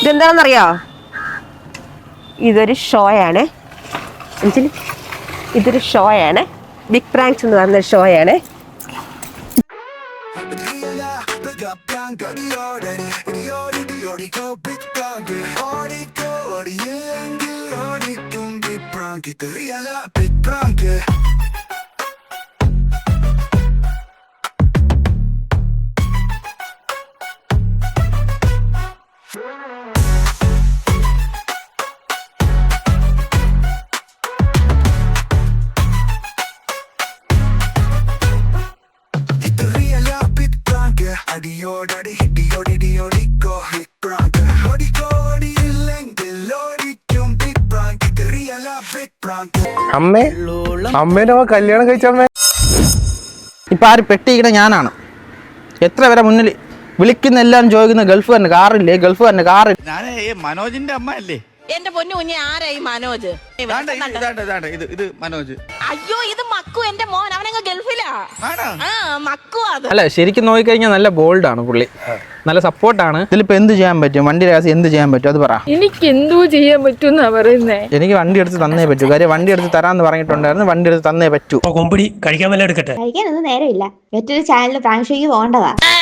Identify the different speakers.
Speaker 1: ഇതെന്താണെന്നറിയോ? ഇതൊരു ഷോയാണ്. ഇതൊരു ഷോയാണ്. Big pranks എന്ന് പറയുന്ന ഷോയാണ്.
Speaker 2: അമ്മേ, അമ്മേനെ കല്യാണം കഴിച്ചമ്മേ.
Speaker 3: ഇപ്പൊ ആര് പെട്ടിയിക്കണ ഞാനാണ്. എത്ര പേരെ മുന്നിൽ വിളിക്കുന്ന എല്ലാം ചോദിക്കുന്ന ഗൾഫ് തന്നെ കാറില്ലേ, ഗൾഫ് തന്നെ കാറില്ല.
Speaker 4: ഞാൻ മനോജിന്റെ അമ്മ അല്ലേ?
Speaker 5: എന്റെ പൊന്നു കുഞ്ഞെ, ആരായി മനോജ്?
Speaker 4: ഇത് മനോജ്.
Speaker 5: അയ്യോ, ഇത് മക്കു, എന്റെ മോൻ. അവനങ്ങ് ഗൾഫിലാ. മക്കു. അത്
Speaker 3: അല്ല, ശരിക്കും നോക്കിക്കഴിഞ്ഞാൽ നല്ല ബോൾഡാണ് പുള്ളി, നല്ല സപ്പോർട്ടാണ്. ഇതിലിപ്പോ എന്ത് ചെയ്യാൻ പറ്റും? വണ്ടി രഹസ്യം എന്ത് ചെയ്യാൻ പറ്റും അത് പറ.
Speaker 6: എനിക്ക് എന്തോ ചെയ്യാൻ പറ്റുമെന്നാ പറയുന്നേ.
Speaker 3: എനിക്ക് വണ്ടി എടുത്ത് തന്നേ പറ്റൂ. കാര്യം വണ്ടി എടുത്ത് തരാന്ന് പറഞ്ഞിട്ടുണ്ടായിരുന്നു. വണ്ടി എടുത്ത് തന്നേ പറ്റൂ.
Speaker 2: കൊമ്പടി കഴിക്കാൻ വല്ല എടുക്കട്ടെ.
Speaker 7: കഴിക്കാനൊന്നും നേരമില്ല. മറ്റൊരു ചാനലിൽ പ്രാങ്ക് ഷോയ്ക്ക് പോകേണ്ടതാ.